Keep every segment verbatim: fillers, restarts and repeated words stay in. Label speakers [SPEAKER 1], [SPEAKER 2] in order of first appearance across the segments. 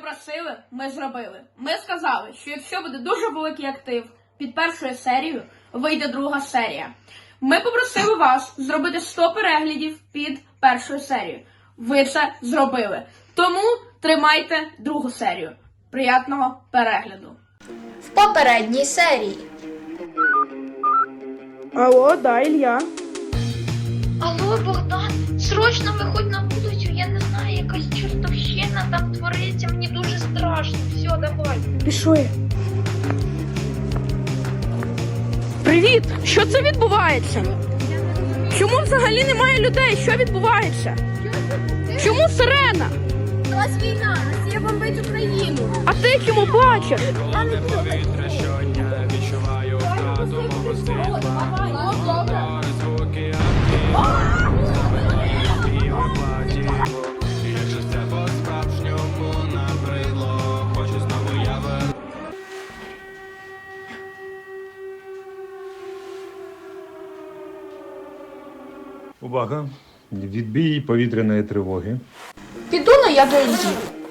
[SPEAKER 1] просили, ми зробили. Ми сказали, що якщо буде дуже великий актив під першою серією, вийде друга серія. Ми попросили вас зробити сто переглядів під першою серією. Ви це зробили. Тому тримайте другу серію. Приятного перегляду.
[SPEAKER 2] В попередній серії.
[SPEAKER 1] Алло, да, Ілля.
[SPEAKER 2] Алло, Богдан, срочно виходь на вулицю, я не знаю, якась чертовщина там твориться, мені дуже страшно. Все, давай.
[SPEAKER 1] Пішли. Привіт! Що це відбувається? Чому взагалі немає людей? Що відбувається? Чому сирена?
[SPEAKER 3] У нас війна, Росія бомбить Україну.
[SPEAKER 1] А ти чому плачеш?
[SPEAKER 4] Повітря щодня відчуваю втрату мого світла. Звуки і оплаті. Якщо це по-справжньому набридло, хочу знову я вер...
[SPEAKER 5] Увага! Відбій повітряної тривоги.
[SPEAKER 1] Піду на я до Ільї.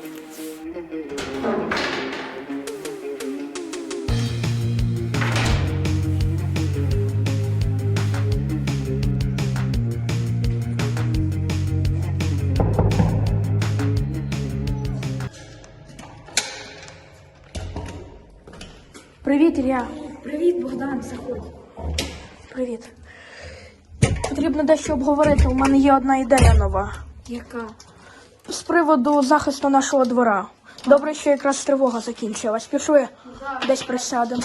[SPEAKER 1] Привіт, Ілля.
[SPEAKER 3] Привіт, Богдан, заходь.
[SPEAKER 1] Привіт. Потрібно дещо обговорити. У мене є одна ідея нова.
[SPEAKER 3] Яка?
[SPEAKER 1] З приводу захисту нашого двора. Добре, що якраз тривога закінчилась. Пішли, десь присядемо.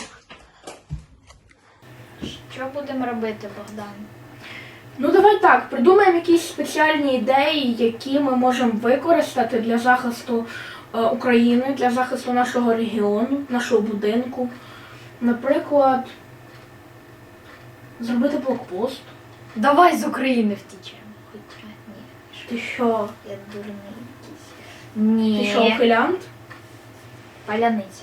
[SPEAKER 2] Що будемо робити, Богдан?
[SPEAKER 1] Ну давай так, придумаємо якісь спеціальні ідеї, які ми можемо використати для захисту е, України, для захисту нашого регіону, нашого будинку. Наприклад, зробити блокпост.
[SPEAKER 2] Давай з України втічемо. Хоча ні,
[SPEAKER 1] Ти що?
[SPEAKER 2] я дурний якийсь. Ні.
[SPEAKER 1] Ти що, ухилянт?
[SPEAKER 2] Паляниця.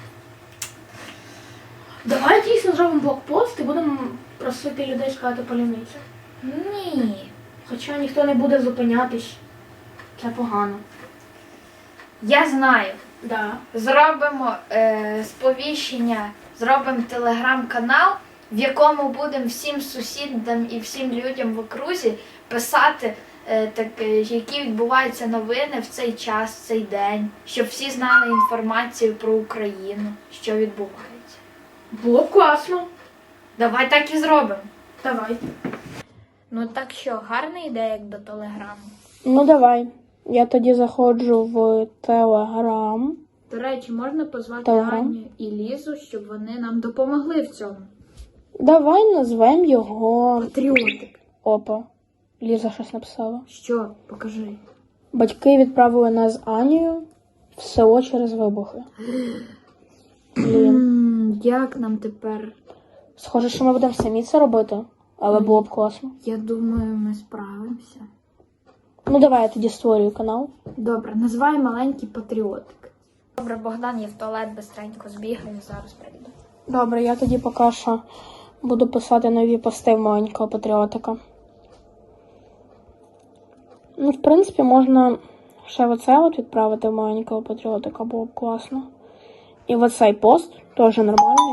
[SPEAKER 1] Давай дійсно зробимо блокпост і будемо просити людей сказати паляниця.
[SPEAKER 2] Ні.
[SPEAKER 1] Хоча ніхто не буде зупинятись. Це погано.
[SPEAKER 2] Я знаю.
[SPEAKER 1] Да.
[SPEAKER 2] Зробимо е, сповіщення, зробимо телеграм-канал, в якому будемо всім сусідам і всім людям в окрузі писати, е, так, е, які відбуваються новини в цей час, в цей день, щоб всі знали інформацію про Україну, що відбувається.
[SPEAKER 1] Було б класно.
[SPEAKER 2] Давай так і зробимо.
[SPEAKER 1] Давай.
[SPEAKER 2] Ну так що, гарна ідея як до телеграму.
[SPEAKER 1] Ну давай. Я тоді заходжу в Телеграм.
[SPEAKER 2] До речі, можна позвати
[SPEAKER 1] Телеграм.
[SPEAKER 2] Аню і Лізу, щоб вони нам допомогли в цьому.
[SPEAKER 1] Давай назвемо його.
[SPEAKER 2] Патріотик.
[SPEAKER 1] Опа. Ліза щось написала.
[SPEAKER 2] Що? Покажи.
[SPEAKER 1] Батьки відправили нас з Анією в село через вибухи. Блін.
[SPEAKER 2] М, Як нам тепер?
[SPEAKER 1] Схоже, що ми будемо самі це робити, але було б класно.
[SPEAKER 2] Я думаю, ми справимося.
[SPEAKER 1] Ну давай я тоді створюю канал.
[SPEAKER 2] Добре, називай маленький патріотик. Добре, Богдан, я в туалет бистренько збігаю, зараз прийду.
[SPEAKER 1] Добре, я тоді поки що буду писати нові пости в маленького патріотика. Ну, в принципі, можна ще в оце от відправити в маленького патріотика, було б класно. І в оцей пост теж нормальний.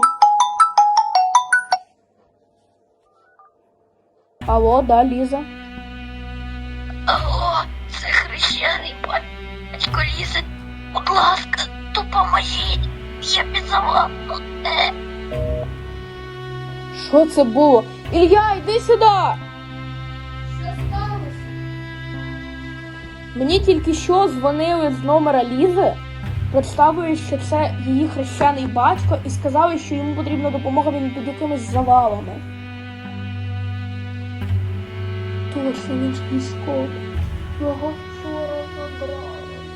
[SPEAKER 1] Алло, да, Ліза.
[SPEAKER 6] Алло, це хрещений батько Лізи. Будь ласка, допоможіть. Я під завалом. Е.
[SPEAKER 1] Що це було? Ілля, йди сюди!
[SPEAKER 3] Що сталося?
[SPEAKER 1] Мені тільки що дзвонили з номера Лізи, представили, що це її хрещений батько, і сказали, що йому потрібна допомога, він під якимись завалами. Точно, він ж військовий. Його вчора забрали.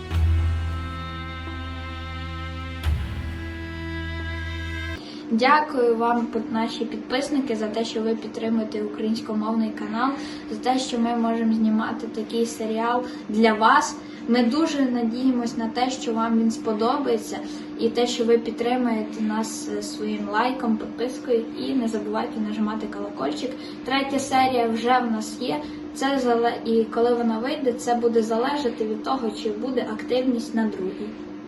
[SPEAKER 2] Дякую вам, наші підписники, за те, що ви підтримуєте українськомовний канал, за те, що ми можемо знімати такий серіал для вас. Ми дуже надіємось на те, що вам він сподобається, і те, що ви підтримуєте нас своїм лайком, підпискою, і не забувайте нажимати колокольчик. Третя серія вже в нас є. Це зале... І коли вона вийде, це буде залежати від того, чи буде активність на другій.